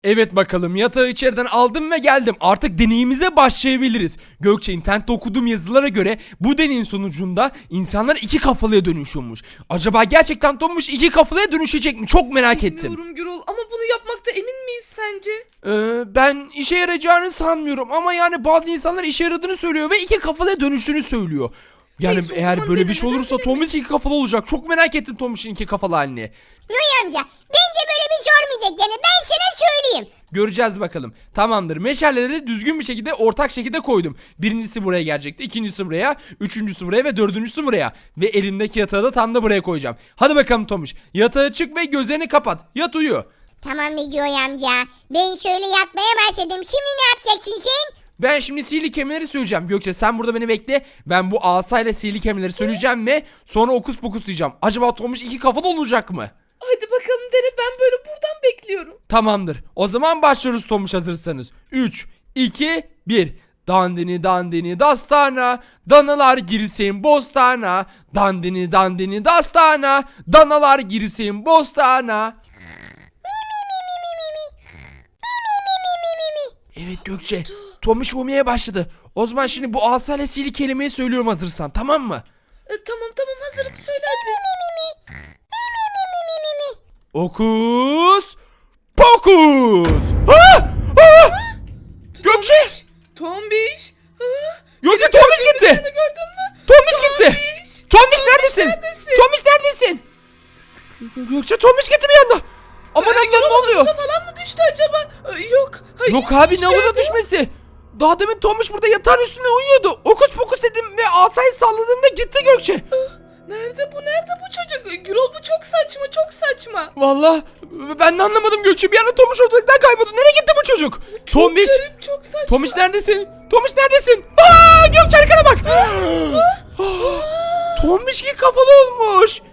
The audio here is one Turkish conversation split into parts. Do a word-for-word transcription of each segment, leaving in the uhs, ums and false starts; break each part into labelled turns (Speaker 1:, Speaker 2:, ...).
Speaker 1: Evet bakalım yatağı içeriden aldım ve geldim. Artık deneyimize başlayabiliriz. Gökçe internette okuduğum yazılara göre bu deneyin sonucunda insanlar iki kafalıya dönüşüyormuş. Acaba gerçekten Tomuş iki kafalıya dönüşecek mi? Çok merak ettim.
Speaker 2: Bilmiyorum Gürol ama bunu yapmakta emin miyiz sence?
Speaker 1: Ee, ben işe yarayacağını sanmıyorum ama yani bazı insanlar işe yaradığını söylüyor ve iki kafalıya dönüştüğünü söylüyor. Yani
Speaker 2: Neyse, o
Speaker 1: eğer
Speaker 2: zaman
Speaker 1: böyle bir şey
Speaker 2: denemeden
Speaker 1: olursa
Speaker 2: bilemeyiz.
Speaker 1: Tomuş iki kafalı olacak. Çok merak ettim Tomuş'un iki kafalı halini.
Speaker 3: Noy amca bence böyle bir şey olmayacak yani ben sana söyleyeyim.
Speaker 1: Göreceğiz bakalım. Tamamdır. Meşaleleri düzgün bir şekilde ortak şekilde koydum. Birincisi buraya gelecekti. İkincisi buraya. Üçüncüsü buraya ve dördüncüsü buraya. Ve elimdeki yatağı da tam da buraya koyacağım. Hadi bakalım Tomuş. Yatağa çık ve gözlerini kapat. Yat uyu.
Speaker 3: Tamam Noy amca ben şöyle yatmaya başladım şimdi ne yapacaksın sen?
Speaker 1: Ben şimdi sihirli kelimeleri söyleyeceğim. Gökçe sen burada beni bekle. Ben bu asayla sihirli kelimeleri söyleyeceğim ve sonra okus pokus diyeceğim. Acaba Tomuş iki kafalı olacak mı?
Speaker 2: Hadi bakalım dene, ben böyle buradan bekliyorum.
Speaker 1: Tamamdır. O zaman başlıyoruz Tomuş hazırsanız. üç, iki, bir. Dandini dandini dastana, danalar girsin bostana. Dandini dandini dastana, danalar girsin bostana. Evet Gökçe, Tomuş uyumaya başladı. O zaman şimdi bu asayla sihirli kelimeyi söylüyorum hazırsan, tamam mı?
Speaker 2: E, tamam tamam hazırım, söyle hadi.
Speaker 1: Okus pokus. Ha! Ha! Gökçe!
Speaker 2: Tombiş. Ha?
Speaker 1: Gökçe
Speaker 2: Beni
Speaker 1: Tomuş
Speaker 2: gördün mü?
Speaker 1: gitti.
Speaker 2: Seni gördün mü?
Speaker 1: Tombiş gitti.
Speaker 2: Tombiş.
Speaker 1: Tombiş neredesin?
Speaker 2: neredesin?
Speaker 1: Tombiş neredesin? Gökçe Tombiş gitti bir anda. Aman
Speaker 2: Ay,
Speaker 1: Allah'ım
Speaker 2: Gürol,
Speaker 1: ne oluyor?
Speaker 2: havuza falan mı düştü acaba? Ay, yok. Hayır,
Speaker 1: Yok abi
Speaker 2: hiçbir
Speaker 1: ne havuza
Speaker 2: yerde yok.
Speaker 1: düşmesi. Daha demin Tombiş burada yatağın üstünde uyuyordu. Okus pokus dedim ve asayı salladığımda gitti Gökçe.
Speaker 2: Nerede bu, nerede bu çocuk? Gürol bu çok saçma, çok saçma.
Speaker 1: Vallahi ben de anlamadım Gökçe. Bir anda Tombiş ortalıktan kayboldu. Nereye gitti bu çocuk?
Speaker 2: Çok
Speaker 1: Tombiş.
Speaker 2: garip, çok saçma.
Speaker 1: Tombiş neredesin? Tombiş neredesin? Aa, Gökçe arkana bak. Ah, Tombiş ki kafalı olmuş.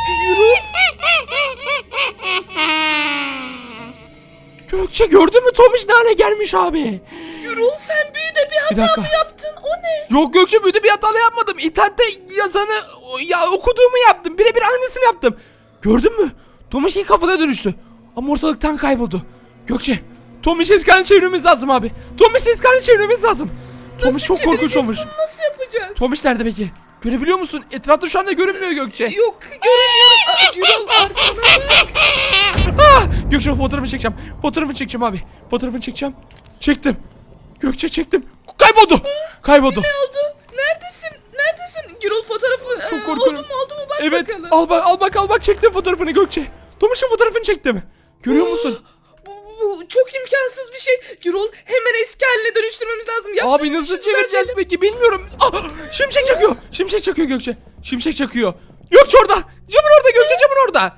Speaker 1: Gökçe gördün mü Tombiş ne hale gelmiş abi?
Speaker 2: Gürol sen büyüde bir hata
Speaker 1: dakika.
Speaker 2: mı yaptın? O ne?
Speaker 1: Yok Gökçe büyüdü bir hata yapmadım. İnternette yazanı ya okuduğumu yaptım. Birebir aynısını yaptım. Gördün mü? Tomuş iyi kafada dönüştü. Ama ortalıktan kayboldu. Gökçe Tomuş eskanı çevirmemiz lazım abi. Tomuş eskanı çevirmemiz lazım. Tomuş çok korkunç
Speaker 2: çevireceğiz
Speaker 1: olmuş.
Speaker 2: bunu, nasıl yapacağız?
Speaker 1: Tomuş nerede peki? Görebiliyor musun? Etrafta şu anda görünmüyor Gökçe.
Speaker 2: Yok göremiyorum. Aa, Gürol arkana bak.
Speaker 1: Ah! Gökçe fotoğrafını çekeceğim. Fotoğrafını çekeceğim abi. Fotoğrafını çekeceğim. Çektim. Gökçe çektim. Kayboldu. Kayboldu.
Speaker 2: Ne oldu? Neredesin? Neredesin? Gürol fotoğrafı
Speaker 1: Çok
Speaker 2: e,
Speaker 1: korkuyorum.
Speaker 2: oldu mu oldu mu bak
Speaker 1: Evet.
Speaker 2: bakalım.
Speaker 1: Al bak al bak al bak çektim fotoğrafını Gökçe. Tomuş'un fotoğrafını çektim. Görüyor musun?
Speaker 2: Bu, bu, bu çok imkansız bir şey. Gürol hemen eski haline dönüştürmemiz lazım. Yaptığımız
Speaker 1: Abi nasıl
Speaker 2: işi
Speaker 1: çevireceğiz
Speaker 2: düzeltelim.
Speaker 1: peki bilmiyorum. Ah, şimşek çakıyor. Şimşek çakıyor Gökçe. Şimşek çakıyor. Gökçe orada. Camın orada Gökçe camın orada.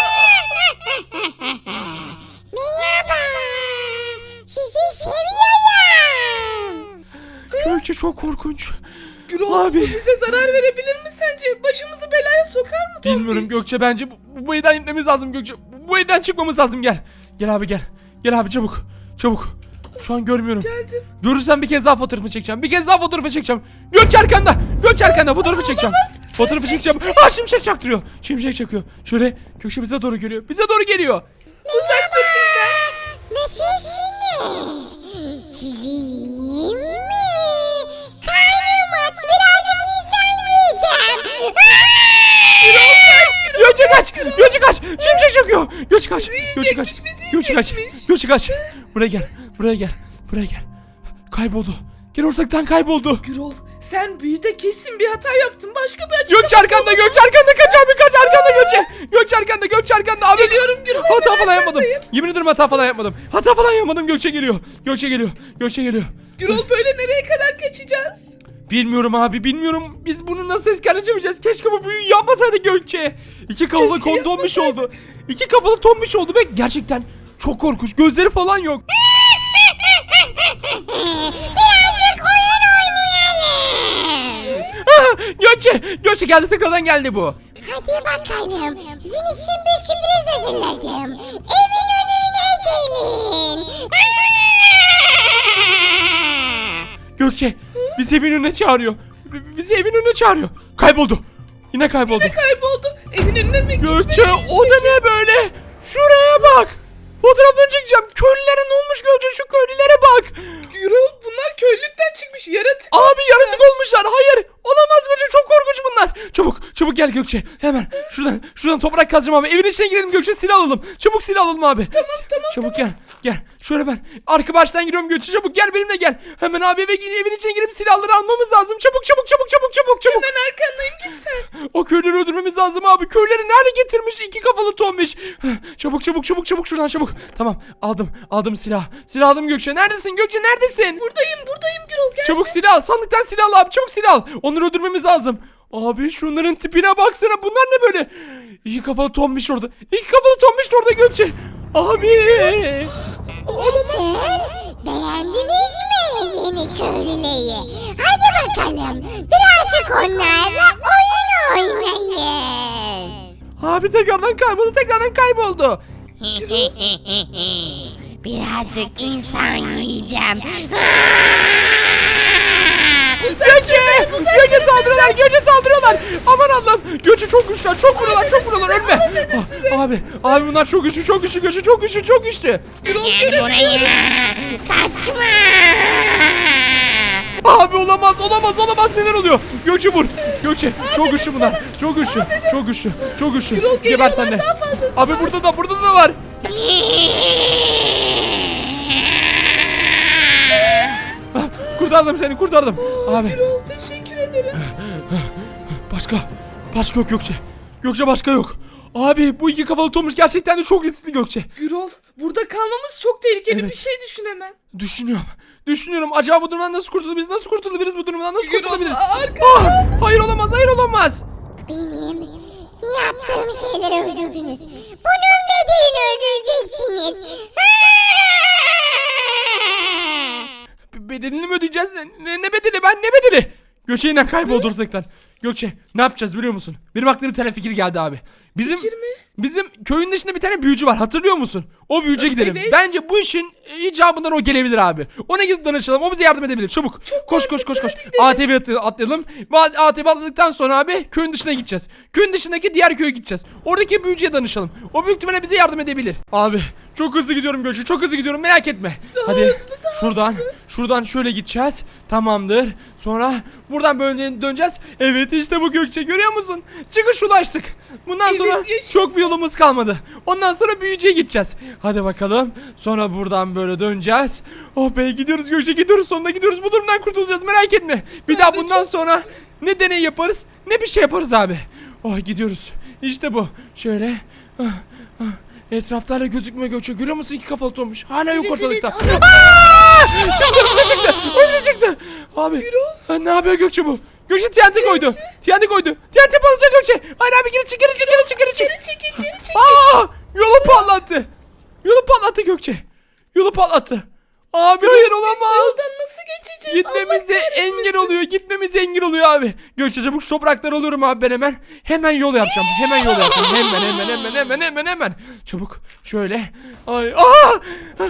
Speaker 3: Merhaba. Sizi seviyorum.
Speaker 1: Gökçe çok korkunç.
Speaker 2: Gürol
Speaker 1: Abi.
Speaker 2: bu bize zarar verebilir mi sence? Başımızı belaya sokar mı Tombiş?
Speaker 1: Bilmiyorum Gökçe bence bu, bu evden gitmemiz lazım Gökçe. Bu evden çıkmamız lazım gel. Gel abi gel. Gel abi çabuk. Çabuk. Şu an görmüyorum.
Speaker 2: Geldim.
Speaker 1: Görürsem bir kez daha fotoğrafını çekeceğim. Bir kez daha fotoğrafını çekeceğim. Gökçe arkanda. Gökçe arkanda fotoğrafı çekeceğim. Fotoğrafı çekeceğim. Ah şimşek çaktırıyor. Şimşek çakıyor. Şöyle Gökçe bize doğru geliyor. Bize doğru geliyor.
Speaker 2: Uzak dur bizden.
Speaker 3: Nasılsınız? Sizin mi? Karnım aç birazcık insan yiyeceğim.
Speaker 1: Gökçe kaç. Gökçe kaç. Şimşek çakıyor. Gökçe kaç. Gökçe kaç.
Speaker 2: Bizi yiyecekmiş, bizi
Speaker 1: Gökçe kaç.
Speaker 2: yiyecekmiş.
Speaker 1: Gökçe kaç. Buraya gel. Buraya gel. Buraya gel. Kayboldu. Gel ortalıktan kayboldu.
Speaker 2: Gürol sen büyüde kesin bir hata yaptın. Başka bir açıklaması
Speaker 1: Gökçe arkanda,
Speaker 2: olamaz.
Speaker 1: Gökçe arkanda, kaç abi kaç arkanda Gökçe. Gökçe arkanda, Gökçe arkanda abi.
Speaker 2: Geliyorum Gürol,
Speaker 1: Hata
Speaker 2: hemen
Speaker 1: falan yapmadım.
Speaker 2: arkandayım.
Speaker 1: Yemin ederim hata falan yapmadım. Hata falan yapmadım. Gökçe geliyor. Gökçe geliyor. Gökçe geliyor.
Speaker 2: Gürol böyle nereye kadar kaçacağız?
Speaker 1: Bilmiyorum abi bilmiyorum. Biz bunu nasıl eskale çevireceğiz? Keşke bu büyüyü yapmasaydık Gökçe. İki kafalı
Speaker 2: Keşke
Speaker 1: kon tombiş
Speaker 2: yapmasaydık.
Speaker 1: oldu. İki kafalı tombiş oldu ve gerçekten çok korkunç. Gözleri falan yok.
Speaker 3: Birazcık oyun oynayalım.
Speaker 1: Ah, Gökçe, Gökçe geldi tekrardan geldi bu.
Speaker 3: Hadi bakalım. Sizin için bir sürpriz hazırladım. Evin önüne gelin.
Speaker 1: Gökçe bizi evin önüne çağırıyor. B- Bizi evin önüne çağırıyor. Kayboldu. Yine kayboldu.
Speaker 2: Ne kayboldu? Evin önüne mi
Speaker 1: Gökçe
Speaker 2: gitmeliyiz?
Speaker 1: o da ne böyle? Şuraya bak. Fotoğraflarını çekeceğim. Köylülere ne olmuş Gökçe? Şu köylülere bak.
Speaker 2: Gürol bunlar köylülükten çıkmış yaratık.
Speaker 1: Abi yaratık olmuşlar. Hayır. Olamaz Gökçe. Çok korkunç bunlar. Çabuk. Çabuk gel Gökçe. Hemen. Şuradan. Şuradan toprak kazacağım abi. Evin içine girelim Gökçe. Silah alalım. Çabuk silah alalım abi.
Speaker 2: Tamam tamam
Speaker 1: Çabuk
Speaker 2: tamam.
Speaker 1: gel. Gel. Şöyle ben. Arka baştan giriyorum Gökçe. Çabuk gel benimle gel. Hemen abi eve evin içine girip silahları almamız lazım. Çabuk çabuk çabuk çabuk çabuk çabuk.
Speaker 2: Ben arkandayım git sen.
Speaker 1: O köyleri öldürmemiz lazım abi. Köyleri nerede getirmiş? İki kafalı tombiş. Çabuk çabuk çabuk çabuk şuradan çabuk. Tamam aldım. Aldım silah. Silah aldım Gökçe. Neredesin Gökçe neredesin?
Speaker 2: Buradayım buradayım Gürol gel.
Speaker 1: Çabuk silah al. Sandıktan silah al abi. Çabuk silah al. Onları öldürmemiz lazım. Abi şunların tipine baksana. Bunlar ne böyle? İki kafalı tombiş orada. İki kafalı tombiş orada Gökçe. Abi.
Speaker 3: Nasıl? Beğendiniz mi yeni köylüleri? Hadi bakalım. Birazcık onlarla oyun oynayın.
Speaker 1: Abi tekrardan kayboldu. Tekrardan kayboldu.
Speaker 3: Birazcık insan yiyeceğim.
Speaker 1: Gökçe! Gökçe saldırıyorlar! Gökçe saldırıyorlar! Aman Allah'ım! Gökçe çok güçlüler! Çok vuruyorlar! Çok vuruyorlar! Ölme! Ah, abi! Abi bunlar çok güçlü! Çok güçlü! Gökçe çok güçlü! Çok güçlü!
Speaker 3: Gel buraya. Kaçma.
Speaker 1: Abi olamaz! Olamaz! Olamaz! Neler oluyor? Gökçe vur! Gökçe! Çok güçlü bunlar! Çok güçlü! Çok güçlü! Çok güçlü! Geber
Speaker 2: geliyorlar,
Speaker 1: sen de!
Speaker 2: daha fazlası
Speaker 1: Abi burada da! Burada da var! Ah, kurtardım seni! Kurtardım! Abi!
Speaker 2: Gürol teşekkür ederim.
Speaker 1: Başka. Başka yok Gökçe. Gökçe başka yok. Abi bu iki kafalı Tomuş gerçekten de çok riskli Gökçe.
Speaker 2: Gürol burada kalmamız çok tehlikeli
Speaker 1: Evet.
Speaker 2: bir şey düşün hemen.
Speaker 1: Düşünüyorum. Düşünüyorum. Acaba bu durumdan nasıl kurtulabiliriz? Nasıl kurtulabiliriz bu durumdan? Nasıl
Speaker 2: Gürol
Speaker 1: kurtulabiliriz?
Speaker 2: arka.
Speaker 1: Ah, hayır olamaz. Hayır olamaz.
Speaker 3: Benim yaptığım şeyleri öldürdünüz. Bunun bedelini ödeyeceksiniz.
Speaker 1: Be- Bedelini mi ödeyeceğiz? Ne, ne, ne bedeli? Ben ne bedeli? Gökçe yine kayboldu ortalıktan. Gökçe ne yapacağız biliyor musun? Benim aklıma bir tane fikir geldi abi. Bizim
Speaker 2: Fikir mi?
Speaker 1: bizim köyün dışında bir tane büyücü var. Hatırlıyor musun? O büyücüye gidelim.
Speaker 2: Evet.
Speaker 1: Bence bu işin icabından o gelebilir abi. Ona gidip danışalım. O bize yardım edebilir. Çabuk. koş koş koş koş. A T V atı- atlayalım. Ve A T V atladıktan sonra abi köyün dışına gideceğiz. Köyün dışındaki diğer köye gideceğiz. Oradaki büyücüye danışalım. O büyük ihtimalle bize yardım edebilir. Abi çok hızlı gidiyorum Gökçe. Çok hızlı gidiyorum. Merak etme. Hadi şuradan şuradan şöyle gideceğiz. Tamamdır. Sonra buradan böyle döneceğiz. Evet işte bu Gökçe. Görüyor musun? Çıkış ulaştık. Bundan
Speaker 2: Evet,
Speaker 1: sonra
Speaker 2: yaşasın.
Speaker 1: çok bir yolumuz kalmadı. Ondan sonra büyücüye gideceğiz. Hadi bakalım. Sonra buradan böyle döneceğiz. Oh be gidiyoruz Gökçe gidiyoruz sonunda gidiyoruz. Bu durumdan kurtulacağız merak etme. Bir daha
Speaker 2: de
Speaker 1: bundan
Speaker 2: çok-
Speaker 1: sonra ne deney yaparız ne bir şey yaparız abi. Oh gidiyoruz. İşte bu. Şöyle. Ah, ah. Etrafta hala gözükmüyor Gökçe. Görüyor musun iki kafalı olmuş. Hala yok
Speaker 2: Evet,
Speaker 1: ortalıkta.
Speaker 2: evet, ama-
Speaker 1: Aa! Çıktı önümüze çıktı. Önümüze çıktı. Abi. Ha, ne yapıyor Gökçe bu? Gökçe T N T koydu. T N T koydu. T N T patlatıyor Gökçe. Hayır abi geri çık geri çık geri çık geri çık.
Speaker 2: Geri çekil geri çekil.
Speaker 1: Aa! Yolu patlattı. Yolu patlattı Gökçe. Yolu patlattı. Abi hayır olamaz.
Speaker 2: Yoldan nasıl geçeceğiz?
Speaker 1: Gitmemize
Speaker 2: Allah kahretmesin.
Speaker 1: engel oluyor. Gitmemize engel oluyor abi. Gökçe çabuk şu toprakları alıyorum abi ben hemen. Hemen yol yapacağım. Hemen yol yapacağım. Hemen hemen hemen hemen hemen hemen. Çabuk şöyle. Ay. Aa!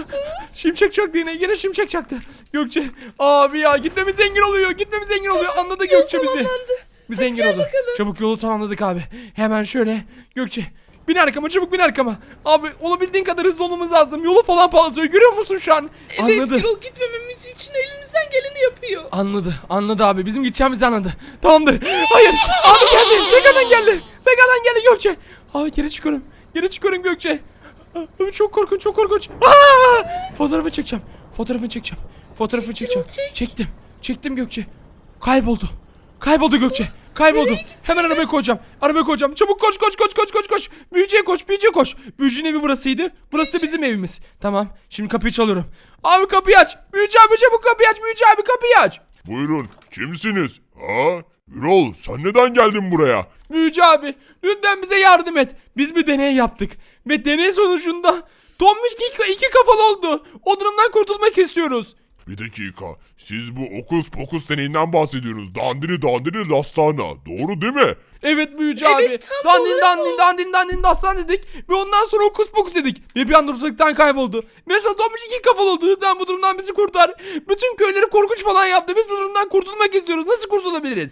Speaker 1: Şimşek çaktı yine. Yine şimşek çaktı. Gökçe. Abi ya gitmemize engel oluyor. Gitmemize engel oluyor. Anladı
Speaker 2: Yol
Speaker 1: Gökçe bizi.
Speaker 2: tamamlandı.
Speaker 1: Biz
Speaker 2: Hadi
Speaker 1: engel
Speaker 2: gel
Speaker 1: oldu.
Speaker 2: bakalım.
Speaker 1: Çabuk yolu tamamladık abi. Hemen şöyle. Gökçe. Bin arkama çabuk bin arkama. Abi olabildiğin kadar hızlı olmamız lazım. Yolu falan patlatıyor. Görüyor musun şu an?
Speaker 2: Evet
Speaker 1: Anladı.
Speaker 2: Gürol gitmememiz için elimizden geleni yapıyor.
Speaker 1: Anladı. Anladı abi. Bizim gideceğimizi anladı. Tamamdır. Hayır. Abi geldi. Tekrardan geldi. Tekrardan geldi Gökçe. Abi geri çıkıyorum. Geri çıkıyorum Gökçe. Abi çok korkunç. Çok korkunç. Aa! Fotoğrafı çekeceğim. Fotoğrafını çekeceğim. Fotoğrafını çekeceğim.
Speaker 2: çek.
Speaker 1: Çektim. Çektim Gökçe. Kayboldu. Kayboldu Gökçe. Kayboldu. Hemen arabaya koyacağım. Arabaya koyacağım. Çabuk koş koş koş koş koş koş. Büyücüye koş. Büyücüye koş. Büyücünün evi burasıydı. Burası da bizim evimiz. Tamam. Şimdi kapıyı çalıyorum. Abi kapıyı aç. Büyücü abi çabuk kapıyı aç. Büyücü abi kapıyı aç.
Speaker 4: Buyurun, kimsiniz? Ha? Gürol, sen neden geldin buraya?
Speaker 1: Büyücü abi lütfen bize yardım et. Biz bir deney yaptık. Ve deney sonucunda Tombiş iki, iki kafalı oldu. O durumdan kurtulmak istiyoruz.
Speaker 4: Bir dakika, siz bu okus pokus deneyinden bahsediyorsunuz. Dandini dandini lastana, doğru değil mi?
Speaker 1: Evet büyücü
Speaker 2: Evet,
Speaker 1: abi.
Speaker 2: tam
Speaker 1: Dandin
Speaker 2: doğru
Speaker 1: dandin
Speaker 2: bu.
Speaker 1: dandin dandin dastan dedik. Ve ondan sonra okus pokus dedik. Ve bir anda ortalıktan kayboldu. Mesela Tombiş iki kafalı oldu. Lütfen bu durumdan bizi kurtar. Bütün köyleri korkunç falan yaptı. Biz bu durumdan kurtulmak istiyoruz. Nasıl kurtulabiliriz?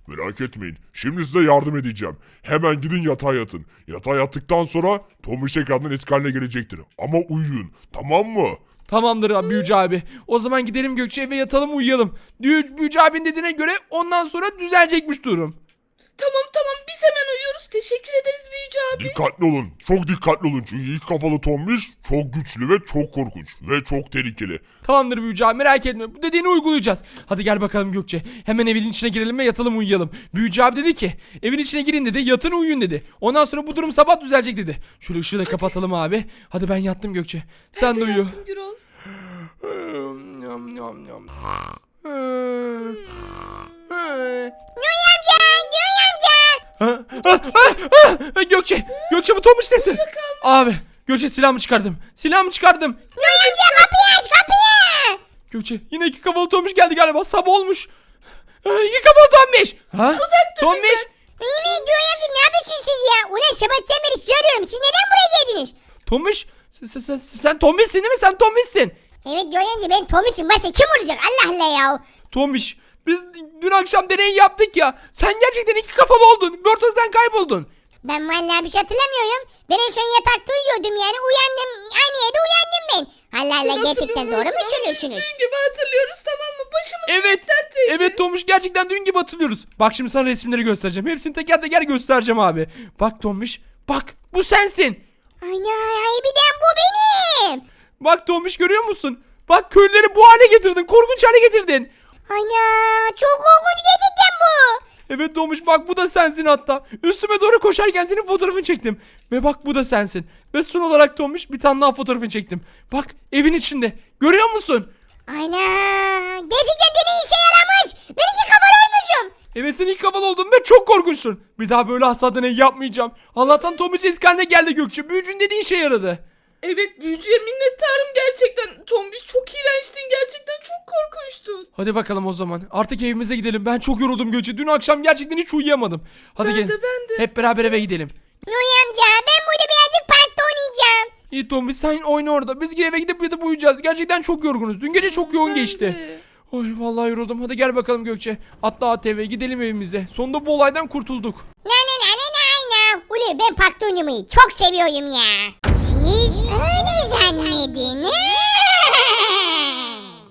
Speaker 4: Merak etmeyin. Şimdi size yardım edeceğim. Hemen gidin yatağa yatın. Yatağa yattıktan sonra Tomuş tekrardan eski haline gelecektir. Ama uyuyun. Tamam mı?
Speaker 1: Tamamdır abi, Büyücü abi. O zaman gidelim Gökçe, eve yatalım, uyuyalım. Büyü, Büyücü abinin dediğine göre ondan sonra düzelecekmiş durum.
Speaker 2: Tamam tamam biz hemen uyuyoruz. Teşekkür ederiz büyücü abi.
Speaker 4: Dikkatli olun. Çok dikkatli olun. Çünkü ilk kafalı Tomuş çok güçlü ve çok korkunç. Ve çok tehlikeli.
Speaker 1: Tamamdır Büyücü abi, merak etme. Bu dediğini uygulayacağız. Hadi gel bakalım Gökçe. Hemen evin içine girelim ve yatalım, uyuyalım. Büyücü abi dedi ki evin içine girin dedi, yatın uyuyun dedi. Ondan sonra bu durum sabah düzelecek dedi. Şöyle ışığı da kapatalım abi. Hadi ben yattım Gökçe. Sen de uyu.
Speaker 2: Yattım Gürol.
Speaker 1: Yam, yam, yam.
Speaker 3: Göğe amca, Göğe amca.
Speaker 1: Ha, ha, ha, ha! Gökçe, Gökçe bu Tomuş sesi. Abi, Gökçe silahımı çıkardım. Silahımı çıkardım.
Speaker 3: Göğe amca kapıyı aç kapıyı.
Speaker 1: Gökçe yine iki kafalı Tomuş geldi galiba. Sabah olmuş. Ha, İki kafalı Tomuş. Ha?
Speaker 2: Uzak dur
Speaker 1: Tomuş.
Speaker 2: bizden.
Speaker 3: Yine Göğe amca ne yapıyorsunuz siz ya? Ulan sabahtan beri sizi arıyorum. Siz neden buraya geldiniz?
Speaker 1: Tomuş. Sen, sen, sen Tomuş'sin değil mi? Sen Tomuş'sin.
Speaker 3: Evet Göğe amca ben Tomiş'im. Başka kim olacak? Allah Allah ya.
Speaker 1: Tomuş. Biz dün akşam deney yaptık ya. Sen gerçekten iki kafalı oldun. Bir ortadan kayboldun.
Speaker 3: Ben vallahi bir şey hatırlamıyorum. Ben en son yatakta uyuyordum yani. Uyandım. Aynı yerde uyandım ben. Allah Allah
Speaker 2: Sen
Speaker 3: gerçekten doğru mu
Speaker 2: hatırlamıyorsun ama
Speaker 3: söylüyorsunuz?
Speaker 2: biz Dün gibi hatırlıyoruz tamam mı? Başımız
Speaker 1: Evet.
Speaker 2: dertteydi.
Speaker 1: Evet Tomuş, gerçekten dün gibi hatırlıyoruz. Bak şimdi sana resimleri göstereceğim. Hepsini teker teker göstereceğim abi. Bak Tomuş. Bak bu sensin.
Speaker 3: Ana harbiden bu benim.
Speaker 1: Bak Tomuş, görüyor musun? Bak köylüleri bu hale getirdin. Korkunç hale getirdin.
Speaker 3: Ana çok korkunç gerçekten bu.
Speaker 1: Evet Tomuş, bak bu da sensin hatta. Üstüme doğru koşarken senin fotoğrafını çektim. Ve bak bu da sensin. Ve son olarak Tomuş bir tane daha fotoğrafını çektim. Bak evin içinde. Görüyor musun?
Speaker 3: Ana gerçekten deney işe yaramış. Ben iki kafalı olmuşum.
Speaker 1: Evet, sen ilk kafalı oldun ve çok korkunçsun. Bir daha böyle asla deney yapmayacağım. Allah'tan Tomuş eski haline geldi Gökçe. Büyücün dediğin işe yaradı.
Speaker 2: Evet büyücüye minnettarım gerçekten. Tombiş çok iğrençtin gerçekten çok korkunçtun.
Speaker 1: Hadi bakalım o zaman. Artık evimize gidelim. Ben çok yoruldum Gökçe. Dün akşam gerçekten hiç uyuyamadım. Hadi
Speaker 2: Ben
Speaker 1: gelin.
Speaker 2: de, ben de.
Speaker 1: Hep beraber eve gidelim.
Speaker 3: Nuy amca ben burada birazcık parkta oynayacağım.
Speaker 1: İyi Tomuş, sen oyna orada. Biz eve gidip yatıp uyuyacağız. Gerçekten çok yorgunuz. Dün gece çok yoğun
Speaker 2: Ben
Speaker 1: geçti.
Speaker 2: de.
Speaker 1: Oy vallahi yoruldum. Hadi gel bakalım Gökçe. Atla A T V, gidelim evimize. Sonunda bu olaydan kurtulduk.
Speaker 3: La la la la la la. Ulu ben parkta oynamayı çok seviyorum ya. Siz öyle zannediniz.